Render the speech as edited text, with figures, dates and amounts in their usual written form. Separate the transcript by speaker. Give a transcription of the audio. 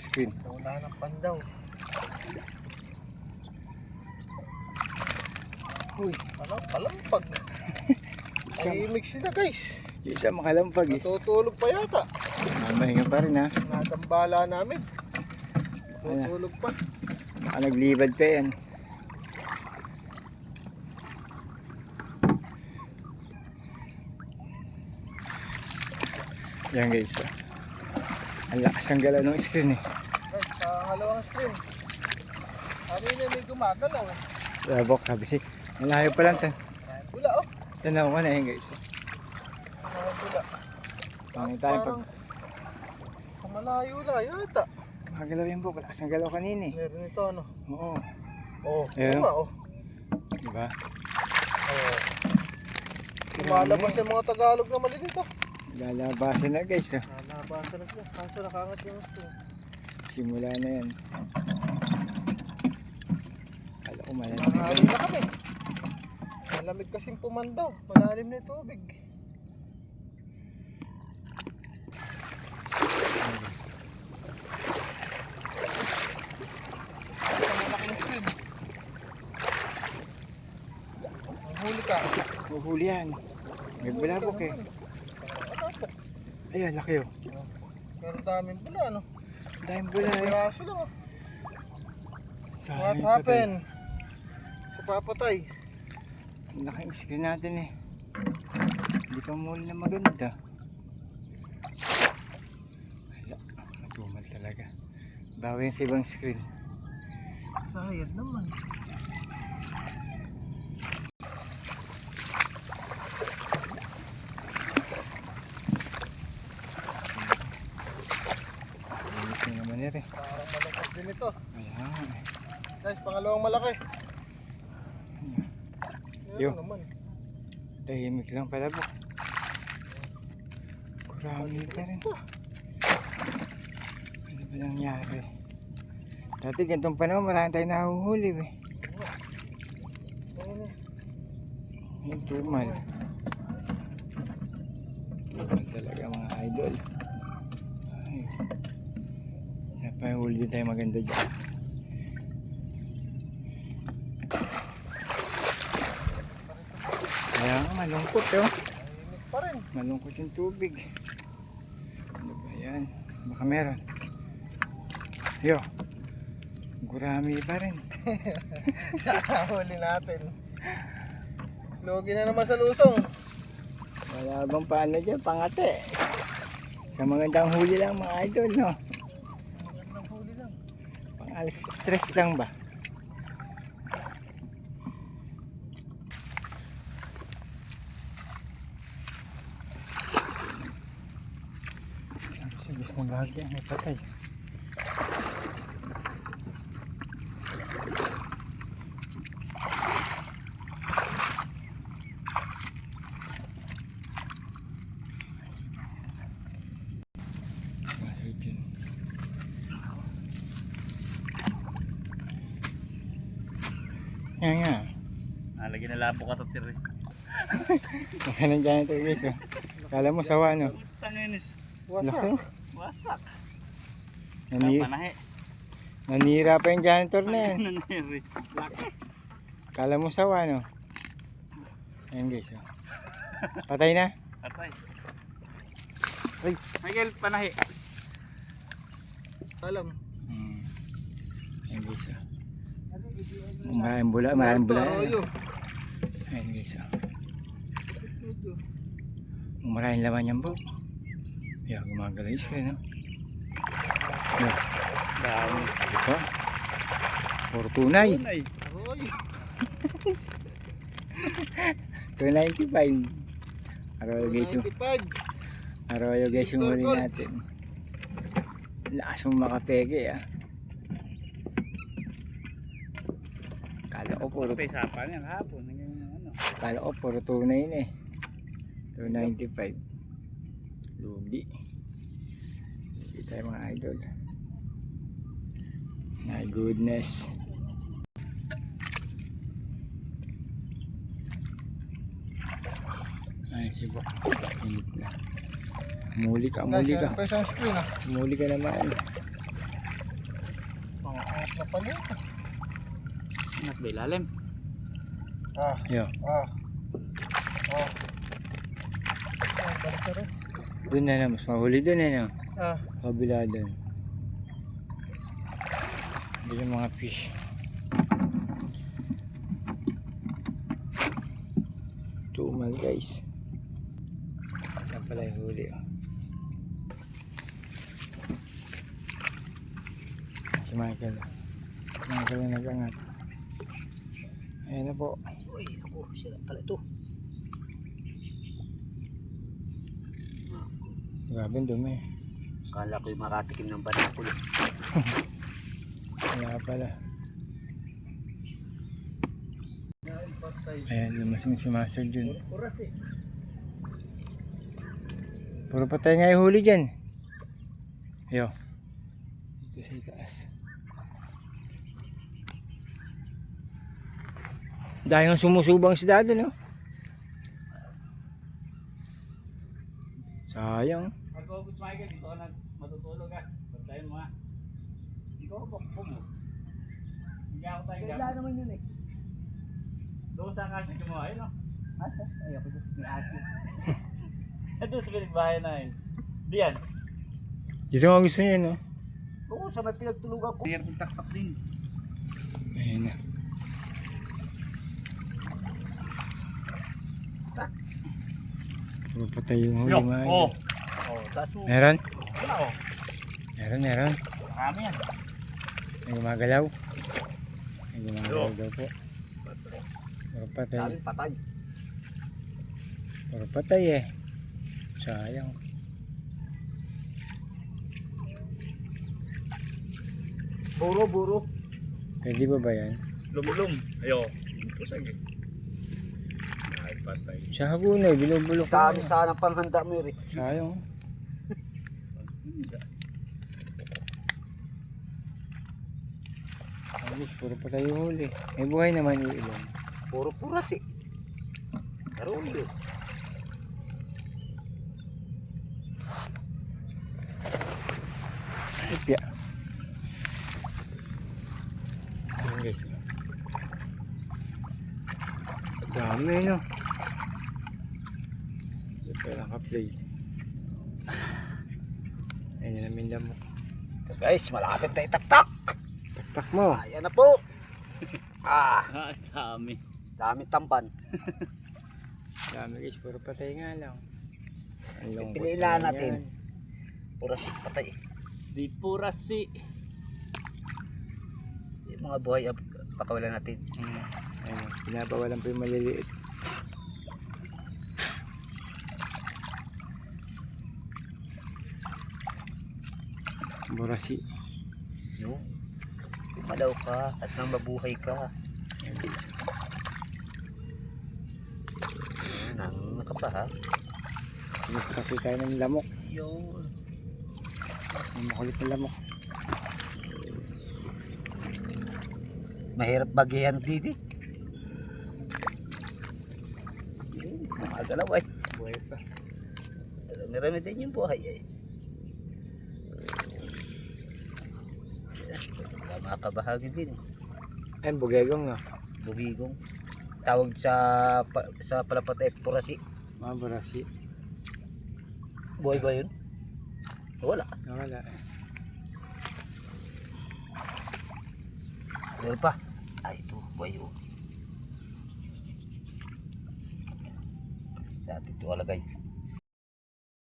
Speaker 1: screen.
Speaker 2: Wala ng pandaw.
Speaker 1: Uy,
Speaker 2: Ano? Palampag. Tahimik sila guys.
Speaker 1: yung isa makalampag eh.
Speaker 2: Natutulog pa yata.
Speaker 1: Mahinga pa rin ha.
Speaker 2: Natambala namin. Natutulog pa.
Speaker 1: Baka naglibad pa yan. Yan guys. Ang lakas ng galaw ng screen eh.
Speaker 2: Guys, pangalawang screen. Kanina may gumagalaw eh.
Speaker 1: Labok, sabi si. Malayo pa lang.
Speaker 2: Bula oh.
Speaker 1: Tanaw ko na yan guys.
Speaker 2: Bula.
Speaker 1: Pangin tayo pag
Speaker 2: Sa malayo na yata.
Speaker 1: magalaw yan po. Lakas ng galaw kanina eh.
Speaker 2: Meron ito ano.
Speaker 1: Oo.
Speaker 2: Oh,
Speaker 1: Ayun.
Speaker 2: tama oh.
Speaker 1: Diba?
Speaker 2: Oh. Lumalabas yung mga Tagalog na mali dito.
Speaker 1: Lalabasan na guys. Oh.
Speaker 2: Nalabasan na sila. Kaso nakangat yung screen.
Speaker 1: Simula na yan. Kala ko malalim.
Speaker 2: Mahali na kami. Malamig kasing pumandaw. Malalim na yung tubig. Malaking screen. Mahuli ka.
Speaker 1: Huhuli yan. May bulabok eh. Ayan, laki oh.
Speaker 2: Pero daming pula ano.
Speaker 1: Dahil bula eh.
Speaker 2: Piraso lang oh.
Speaker 1: Sayang
Speaker 2: What
Speaker 1: yung
Speaker 2: happened? Sa papatay.
Speaker 1: patay. Ang laki yung screen natin eh. Hindi pa muli na maganda. Wala. Natumal talaga. Bawi yan sa ibang screen.
Speaker 2: Sayad naman.
Speaker 1: Ulit na naman yan eh.
Speaker 2: Parang malaki din ito.
Speaker 1: Ayan.
Speaker 2: Guys, pangalawang malaki.
Speaker 1: Yo.
Speaker 2: Ano naman.
Speaker 1: Tahimik lang pala po. Kurami pa rin. Ano ba nangyari? Dati ganitong panahon marami tayong nahuhuli eh.
Speaker 2: Ayun eh.
Speaker 1: Yung tumal. Tumal talaga mga idol. Ay. Isa pa yung huli din tayo maganda dyan. Kaya nga malungkot oh.
Speaker 2: Tahimik pa rin.
Speaker 1: Malungkot yung tubig. Ano ba yan? Baka meron. Yo. Gurami pa rin.
Speaker 2: Huli natin. Logi na naman sa lusong.
Speaker 1: Wala bang paano dyan? Pangate. Sa magandang huli lang mga idol, no?
Speaker 2: Magandang huli lang.
Speaker 1: Pang-alis stress lang ba? Sa gusto ng bahagya, may patay. Masarap yun. Yan nga.
Speaker 3: Nalagyan na labo ka to tiri.
Speaker 1: Baka nandiyan ito guys. Oh. Kala mo sawa no?
Speaker 3: Tanginis.
Speaker 1: Laki.
Speaker 2: Wasak.
Speaker 3: Wasak.
Speaker 1: Nani
Speaker 3: Panahe.
Speaker 1: nanira pa yung janitor na yan.
Speaker 3: Naniri. Laki.
Speaker 1: Kala mo sawa no? Ayan guys. Oh. Patay na?
Speaker 3: Patay.
Speaker 1: Ay.
Speaker 3: Michael, panahe.
Speaker 2: Alam.
Speaker 1: Ayan guys. Oh. Maraming bula, maraming bula.
Speaker 2: Arroyo.
Speaker 1: Ayan guys. Oh. Maraming laman yan bro. Kaya gumagalaw yung screen no? Yeah.
Speaker 3: Dami.
Speaker 1: Ito. Puro tunay.
Speaker 3: Tunay.
Speaker 2: Arroyo.
Speaker 1: 295. Arroyo guys yung
Speaker 2: 95.
Speaker 1: Arroyo guys yung huli natin. Lakas mong makapeke ah. Kala ko puro
Speaker 3: May sapa niya kahapon. Ano.
Speaker 1: Kala ko puro tunay na eh. 295. Lugi. Lugi tayo mga idol. My goodness. Ay, sibo. Init na. Muli ka, muli ka.
Speaker 2: Pa isang screen ah.
Speaker 1: Muli ka naman.
Speaker 2: Napalit.
Speaker 3: Ingat ba ilalim?
Speaker 2: Ah,
Speaker 1: Yo.
Speaker 2: ah. Ah. Ah, balik na rin.
Speaker 1: Doon na mas mahuli doon no.
Speaker 2: Ah,
Speaker 1: Kabila doon. Doon yung mga fish. Tumal guys. Yan pala yung huli. Oh. Si Michael. Michael ang nag-angat. Ayan na po.
Speaker 2: uy, ako, sila pala ito.
Speaker 1: Grabe ang dumi.
Speaker 2: Kala ko yung makatikim ng banakul.
Speaker 1: Wala pala. Ayan, lumasing si Master Jun.
Speaker 3: Oras eh.
Speaker 1: Puro patay nga yung huli dyan. Yo. Dito sa itaas. Dahil ang sumusubang si Dado, no? Sayang.
Speaker 3: Ako, Boss Michael, dito ka na matutulog ha. Pagtayin mo ha. Ikaw ba po mo? Hindi ako tayo
Speaker 2: Kailan naman yun eh.
Speaker 3: doon sa kasi gumawa yun no?
Speaker 2: Asa? Ay, ako doon. May asin.
Speaker 3: Ito sa pinagbahay na yun. Diyan.
Speaker 1: Dito nga gusto niya, no?
Speaker 2: Oo, sa may pinagtulugan ko.
Speaker 3: Diyan kong taktak din.
Speaker 1: Ayan na. Puro patay yung huli, mga
Speaker 3: Oh.
Speaker 2: Oh, taas mo.
Speaker 1: Meron?
Speaker 3: Wala oh.
Speaker 1: Meron.
Speaker 3: Marami yan.
Speaker 1: May gumagalaw. May gumagalaw daw po. Puro patay.
Speaker 2: Daming patay.
Speaker 1: Puro patay eh. Sayang.
Speaker 2: Buro.
Speaker 1: Pwede ba yan?
Speaker 3: Lumulong. Ayo. Pusag eh. Ay, patay.
Speaker 1: Sa hagunay, binubulok ko.
Speaker 2: Dami sana panghanda mo yun eh.
Speaker 1: Sayang. Alis, puro patay yung huli. May buhay naman yung ilan.
Speaker 2: Puro puras eh. Karulyo.
Speaker 1: Ipya. Ayan guys. Dami no. Ito lang ka-play. Ayan yung namin lamok.
Speaker 2: So guys, malapit na itaktak.
Speaker 1: Tak mo.
Speaker 2: Ayan na po. Ah,
Speaker 3: Ah, dami.
Speaker 2: dami tamban.
Speaker 1: Dami guys, puro patay nga lang. Ang lungkot
Speaker 2: Pipiliin
Speaker 1: naman
Speaker 2: natin.
Speaker 1: yan.
Speaker 2: Puras eh, patay.
Speaker 3: Di pura si.
Speaker 2: Yung mga buhay, pakawalan natin.
Speaker 1: Ayun, pinabawalan pa yung maliliit. Burasi.
Speaker 2: No? Malaw ka at nang mabuhay ka.
Speaker 1: Ayan guys.
Speaker 2: Ayan, nangunga ka pa ha.
Speaker 1: Nagpapakita tayo ng lamok.
Speaker 2: Yun.
Speaker 1: Ang makulit na lamok.
Speaker 2: Mahirap bagihan dito. Yun, makagalaw ay.
Speaker 1: Buhay pa.
Speaker 2: Marami din yung buhay ay. Makabahagi din.
Speaker 1: Ayun, bugegong nga.
Speaker 2: Bugigong. Tawag sa palapat ay purasi.
Speaker 1: Mga burasi.
Speaker 2: Buhay ba yun? Wala.
Speaker 1: Nawala.
Speaker 2: Meron pa. Ay, ito. Buhay yun. Dati ito alagay.